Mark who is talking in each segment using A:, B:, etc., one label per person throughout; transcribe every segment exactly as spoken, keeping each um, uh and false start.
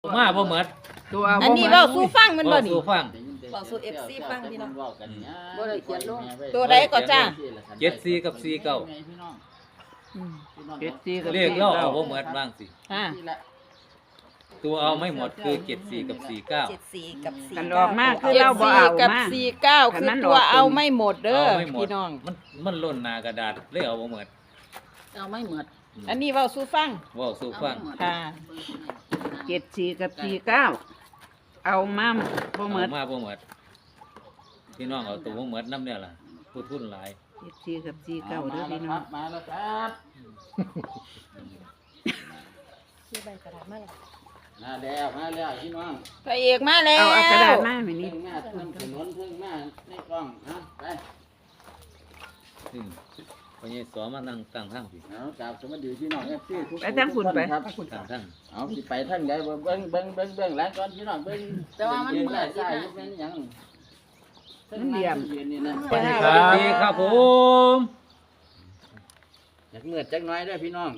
A: มาบ่หมด
B: ตัวเอา
C: อันนี้เว้าสู่ฟังมันบ่
A: เว้า
C: นี่
A: สู่ฟัง
C: บอกสู่ เอฟ ซี ฟังพี่น้อง
B: บ่ได้เขียนลง
C: ตัวใดก็จ้า
A: เจ็ดสี่กับสี่เก้า
C: อืม
B: เจ็ดสี่กับ
A: เลขเราเอาบ่หมดบ้างสิ
C: อ่า
A: ตัวเอาไม่หมดคือเจ็ดสี่กับสี่เก้า
C: เจ็ดสี่กับสี่
B: กันอ
C: เก้า
B: อกมาคือ
C: เจ็ด
B: เราบ่
C: สี่
B: เอา
C: กับ
B: มา
C: สี่เก้า
B: คัน
C: คือ
B: นั้น
C: ตัว
B: ออก
C: เอาไม่หมดเด้อ
A: เอาไม่หมด
C: พี่น้อง
A: มันมันล้นหน้ากระดาษเลยเอาบ่หมด
D: เอาไม่หมด
C: อันนี้เว้าสู่ฟัง
A: เว้าสู่ฟัง
C: ค่ะ
B: เจ็ดสี่กับสี่เก้าเอามาบ่หม
A: เอา
B: ด
A: มาบ่หมดพี่น้องเอาตัวบ่หมดนำเนี่ยล่ะผู้ทุนหลาย
B: เจ็ดสี่กับสี่เก้าเด้อพี่น้อง
D: มาแล้วครับ
C: ชื่อใบกระดาษมาแล้ว
D: มาแล้วมาแล้วพี่น้อง
C: พระเอกมาแล้ว
B: เอาเอากระดาษมาให้นี่
D: เพิ่งมาเพิ่งถนนเพิ่งมาในกล้องนะไป
A: อืมพอใหญ่สอมานั่งตั้งทางพี่
D: เอากราบสวัสดีพี่น้องเอฟซีทุก
B: ไปทางคุณไป
D: ครับ
A: ตั้งทาง
D: เอาสิไปทางใดเบิ่งเบิ่งเบิ่งเบิ่งเบิ่งหลังก่อนพี่น้องเบิ่ง
E: แต่ว่ามัน
D: เบิ่ง
E: เหมื
D: ได้
E: อน
D: ใช่
E: สิ
D: เป็นหยัง
B: มันเหลี่ยม
D: ยืนนี่นะ
A: สวัสดีครับผม
D: อยากเมื่อจักหน้อยเด้วยพี่น้อง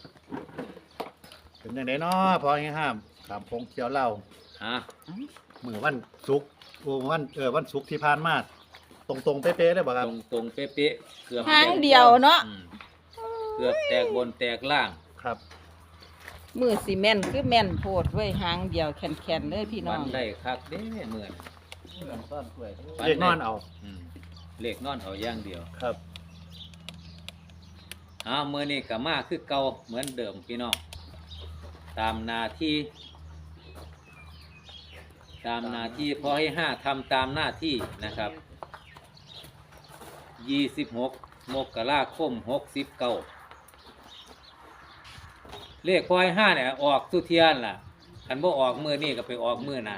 F: เป็นยังไงเนาะพอให้ห้ามถามพงเที่ยวเล่า
A: อ่ะ
F: มือวันศุกร์โอ้วันเออวันศุกร์ที่ผ่านมาตรงตรงๆเป๊ะๆได้บ่ค
A: ต
F: รับ
A: รงตรงๆเป๊ะๆเกือบ
C: หางเดียวเนาะ
A: อืมเกือบแตกบนแตกล่าง
F: ครับ
C: มือซีเมนต์คือแม่นโพดไว้หางเดียวแข็งๆเลยพี่น้
A: ฟั
C: อง
A: นได้คักเด้เหมือน
D: ต้อนกล้วย
F: เรียกนอนเอา
A: อืมเลขนอนเอาอย่างเดียว
F: ครับ
A: อ้าวมือนี้ก็มาคือเก่าเหมือนเดิมพี่น้องตามหนาที่ตามหนาที่พอให้ห้าทำตามหน้าที่นะครับยี่สิบหกมกราคมหกสิบเก้าเลขพอให้ห้าเนี่ยออกสุเทียนล่ะคันบ่ออกมือนี่ก็ไปออกมือหนา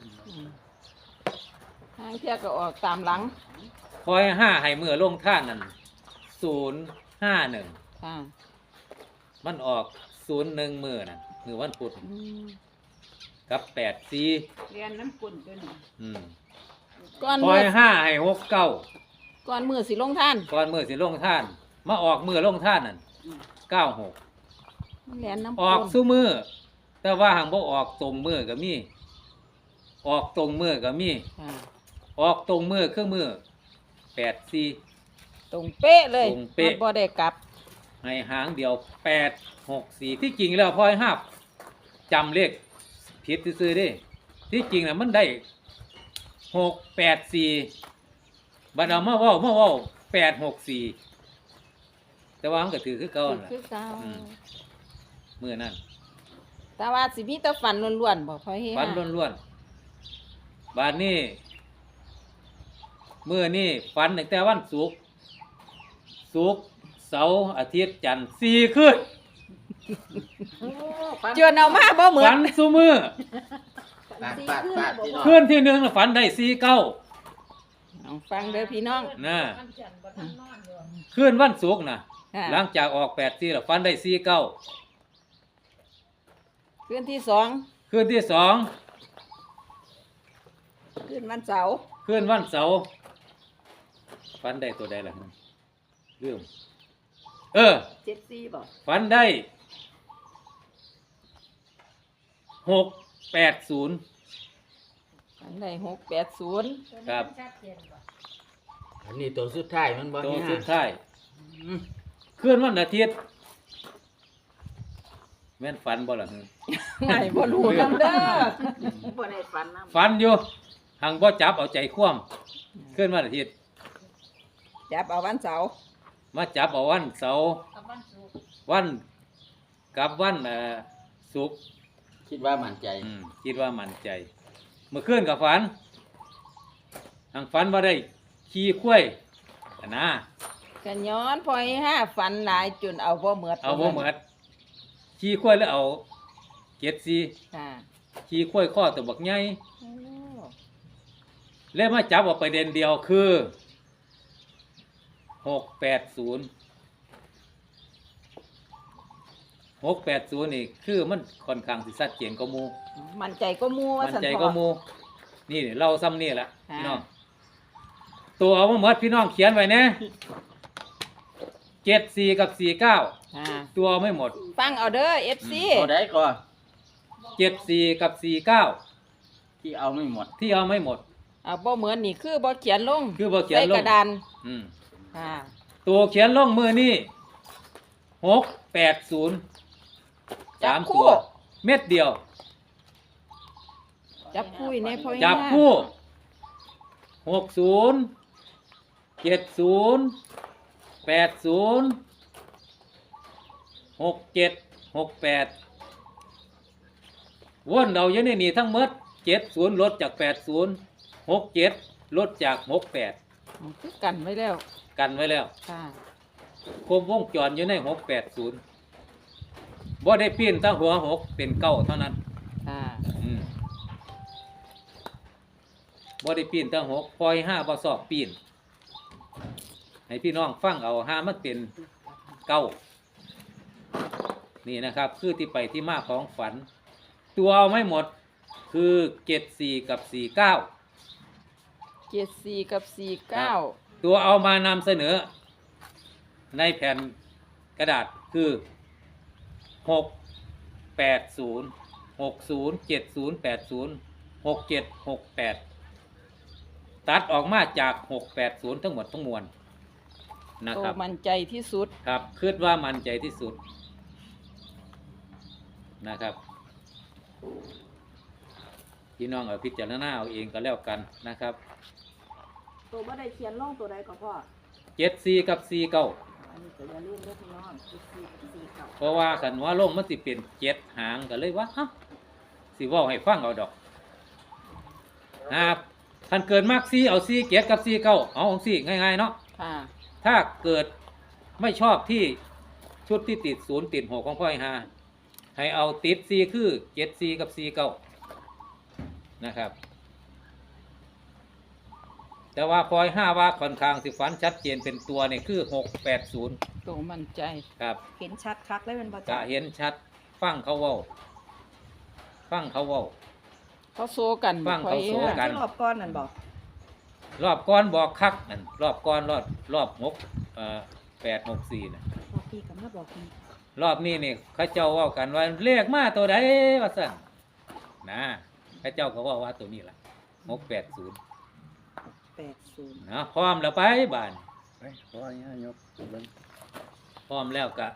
C: หางเที่ยก็ออกตามหลัง
A: พอให้ห้าให้มือลงท่านนั่นศูนย์ห้าหนึ่ง
C: ค่ะ
A: มันออกศูนย์หนึ่งมือนั่นมือวันพุธ
C: อืม
A: กับแปดสี่
B: เรียนน้ำกุ่นตัวนี้
A: อืม
C: ก่อน
A: พอ
C: มือ
A: ให้ห้าให้หกเก้า
C: ก่อนมือสิลงท่าน
A: ก่อนมือสิลงท่าน มาออกมือลงท่านนั่นเก้าหก
C: แหลนน้ำ
A: ออก
C: ปูน
A: สู้มือ แต่ว่าหางบ่ออกตรงมือก็มี ออกตรงมือก็มี
C: ค่ะ
A: ออกตรงมือคือมือแปดสี่
C: ตรงเป๊ะเลย
A: ตรงเป๊ะ
C: มันบ่ได้กลับ
A: ให้หางเดียวแปดหกสี่ที่จริงแล้วพอให้ห้าจำเลขผิดซื้อๆเด้ที่จริงน่ะมันได้หกแปดสี่บัดเอามาเว้ามาเว้าแปดหกสี่แต่ว่ามันก็ถือคือเก่านั่นล่ะ
C: คือเก่า
A: อืม มือนั่น
C: แต่ว่าสิมีแต่ฝันล้วนๆบ่พอเฮ็ด
A: ฟันล้วนๆบาดนี้มือนี่ฟันตั้งแต่วันศุกร์ศุกร์เสาร์อาทิตย์จันทร์สี่คืน
C: จนเอามาบ่เหมือ
A: ฟั
C: น
A: นซุมือ
D: ปาดปาดปาดพี่น้อง
A: คืนที่หนึ่งน่ะฝันได้สี่เก้า
C: เอาฟังเด้อพี่น้อง
A: นะคืนวันศุกร์นะ
C: ค่ะ
A: หลังจากออกแปดสี่แล้วฟันได้สี่เก้า
C: คืนที่สอง
A: คืนที่สอง
C: คืนวันเสาร์
A: คืนวันเสาร์ฟันได้ตัวใดล่ะเรื่องเออ
C: เจ็ดสี่บ่
A: ฟันได้หกแปดศูนย์
C: ฝันได้หกแปดศูนย์
A: ครับ
D: อันนี้ตัวสุดท้ายมันบ่
A: ตัว
D: นี่ฮะ
A: สุดท้ายคืนวันอาทิตย์แม่นฟันบ่ล่ะ
C: ไม่บ่รู้นำเด้อ
B: บ่ได้ฝันน้
A: ฟันอยู่หังบ่จับเอาใจคว่ำคืนวันอาทิตย์
C: จับเอาวันเสาร์
A: มาจับเอาวันเสาร์วันกับวันเอ่อศุกร์
D: คิดว่ามั่นใจ
A: อืมคิดว่ามั่นใจ เมื่อคืนกับฝันทางฝันว่าได้ขี่ข้วยอะนะ
C: กันย้อนพอให้ห้าฝันหลายจนเอาบ่เหมือด
A: เอาบ่เหมือดขี่ข้วยแล้วเอาเจ็ดสี
C: ค่ะ
A: ขี่ข้วยข้อตัวบักใหญ่
C: โอ้
A: แล้วมาจับเอาประเด็นเดียวคือหกแปดศูนย์หกแปดศูนย์นี่คือมันค่อนข้างสิชัดเจนกว่าหมู่
C: มันใจก็มัวว่า
A: มัน
C: สัน
A: ใจ
C: พ
A: ก็
C: อ
A: หมูนี่เราซ้ำนี่แหละ
C: ค่ะ
A: พี่น้อง ตัวเอามาหมดพี่น้องเขียนไว้นะเจ็ดสี่กับสี่เก้า
C: ค่ะ
A: ตัวเอาไม่หมด
C: ฟังเอาเด้อ เอฟ ซี
D: ตัวใดก่อน
C: บ
A: เจ็ดสี่กับสี่เก้า
D: ที่เอาไม่หมด
A: ที่เอาไม่หมด
C: อ่าบ่เหมือนนี่คือบ่เขียนลง
A: คือบ่เขียนลง
C: ใส่กระดาน
A: อืม
C: ค่ะ
A: ตัวเขียนลงมือนี่หกแปดศูนย์
C: จั
A: สา
C: บ
A: ม
C: คู่
A: ตัวเม็ดเดียว
C: จับคู่ในพ่อ
A: จับคู่หกศูนย์เจ็ดศูนย์แปดศูนย์หกเจ็ดหกแปดวนเราอยู่ในนี่ทั้งหมดเจ็ดศูนย์ลดจากแปดศูนย์หกเจ็ดลดจากหกแปด
C: คือกันไว้แล้ว
A: กันไว้แล้ว
C: ค่ะ
A: คมวงจรอยู่ในหกแปดศูนย์บ่ได้ปีนตั้งหัวหกเป็นเก้าเท่านั้น
C: ค่ะ
A: อืมบ่ได้ปีนตั้งหกปล่อยห้าบ่สอบปีนให้พี่น้องฟังเอาห้ามันเป็นเก้านี่นะครับ คือที่ไปที่มาของฝัน ตัวเอาไม่หมดคือเจ็ดสี่กับสี่เก้า
C: เจ็ดสี่กับสี่เก้า
A: ตัวเอามานำเสนอ ในแผ่นกระดาษคือหกแปดศูนย์หกศูนย์เจ็ดศูนย์แปดศูนย์หกเจ็ดหกแปดตัดออกมาจากหกแปดศูนย์ทั้งหมดทั้งมวลนะ
C: โต
A: ครับ
C: มั่นใจที่สุด
A: ครับคิดว่ามันใจที่สุดนะครับพี่น้องเอาพิจารณาเอาเองก็แล้วกันนะครับ
E: ตัวบ่ได้เขียนลงตัวใดก็พ่อ
A: เจ็ดสี่กับสี่เก้า
E: อันนี้ก็อย่าลืมเด้อพี่น้องสี่สี่สี่เก้า
A: เพราะว่าขันว่าลงมันสิเป็นเจ็ดหางก็เลยว่าฮะสิเว่าให้ฟังเอาดอกนะครับท่านเกิดมากสี่เอาสี่เจ็ดกับสี่เก้าเอาของสี่ง่ายๆเนาะ
C: ค่ะ
A: ถ้าเกิดไม่ชอบที่ชุดที่ติดศูนย์ติดหกของพ่อไอ้ฮาให้เอาติดสี่คือเจ็ดสี่กับสี่เก้านะครับ แต่ว่าพลอยห้าว่าค่อนข้างสิฝันชัดเจนเป็นตัวเนี่ยคือหกแปดศูนย์
C: โตมั่นใจ
A: ครับ
E: เห็นชัดคักเลยเป็นบ่
A: จะ
E: จ้ะ
A: เห็นชัดฟังเขาเว้าฟังเขาเว้า
C: เขาโซกัน
A: ฟังเขาโซกัน
E: ที่รอบก้อนนั่นบอก
A: รอบก้อนบอกคักนั่นรอบก้อนรอบรอบหกเอ่อแปดหกสี่นะ
E: บอกพี่กับมาบอกพี่
A: รอบนี้นี่เข้าเจ้าเว่ากันว่าเลขมาตัวใดว่าสั่นนะเข้าเจ้าก็เว่าว่าตัวนี้ล่ะหกแปดศูนย์
E: แปดศูนย์
A: นะพร้อมแล้วไปบ้าน
F: ไปขอให้ยกเบิ่ง
A: พร้อมแล้วกะ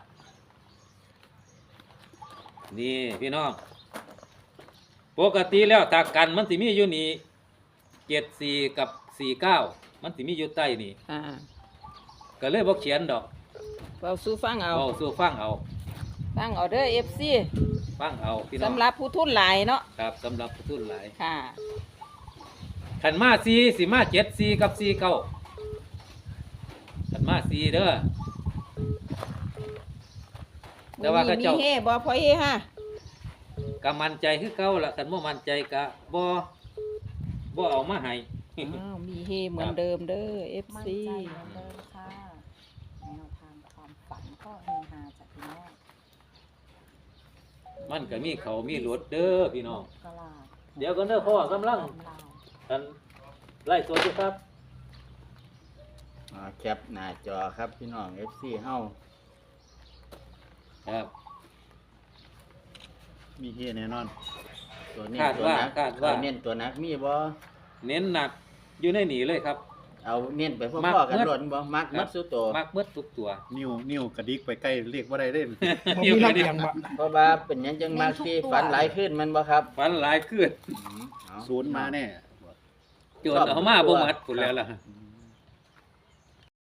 A: นี่พี่น้องปกติแล้วถ้ากันมันสิมีอยู่นี่เจ็ดสี่กับสี่เก้ามันสิมีอยู่ใต้นี่
C: ค่ะ
A: ก็เลยบอกเขียนดอก
C: เราสู้ฟังเอา
A: เอาสู้ฟังเอา
C: ฟังเอาเด้อ เอฟ ซี
A: ฟังเอาพี่น้อง
C: สำหรับผู้ทุนหลายเนาะ
A: ครับสำหรับผู้ทุนหลาย
C: ค่ะ
A: ขันมาสี่สิมาเจ็ดสี่กับสี่เก้าขันมาสี่เด้อ แต่ว่าเขาเจ้า
C: มีเฮ่บ่พอเฮฮะ
A: กะมันใจคือเก่าละขันบ่มันใจกะบ่บ่เอามาให้
C: อ้าวมีเฮเหมือนเดิมเด้อ เอฟ
E: มั่น
C: ซี
E: ใจเหมือนเดิมค่ะแนวทางความฝันก็เฮฮาจากพี่น้อง
A: มันก็มีเขามีรถเด้อพี่น้อง
E: กะลา
A: เดี๋ยวก็เด้อพ่อกำลัง
E: ตำลาว
A: กันไล่สดอยู่ครับ
D: อ่าแคปหน้าจอครับพี่น้อง เอฟ ซี เฮา
A: ครับ
F: มีเฮแน่นอน
D: ตัวเน้น
A: คาด
D: ตัว
A: ว่า
D: นัก
A: คาดว่า
D: เอเน้นตัวนักมีบ่
A: เน้นหนักอยู่ในหนีเลยครับ
D: เอาเน้นไปพ่
A: มัก
D: อๆกัน
A: เบิด
D: หล่นบ่มัก
A: ครั
D: มั
A: บ
D: ดสุดตัว
A: มักเบิดทุกตัว
F: นิ้วนิ้วกระดิกไปใกล้เรียกว่าได้เล่น
G: ผมมีรับเอียงบ่
D: เพราะว่าเป็นหยังจังมักที่ฝันหลายขึ้นมันบ่ครับ
A: ฝันหลายขึ้น
D: อืมเอา
F: ศูนย์มาแน่
A: โจนเอามาบ่หมัดพุ่นแล้วล่ะ
F: อืม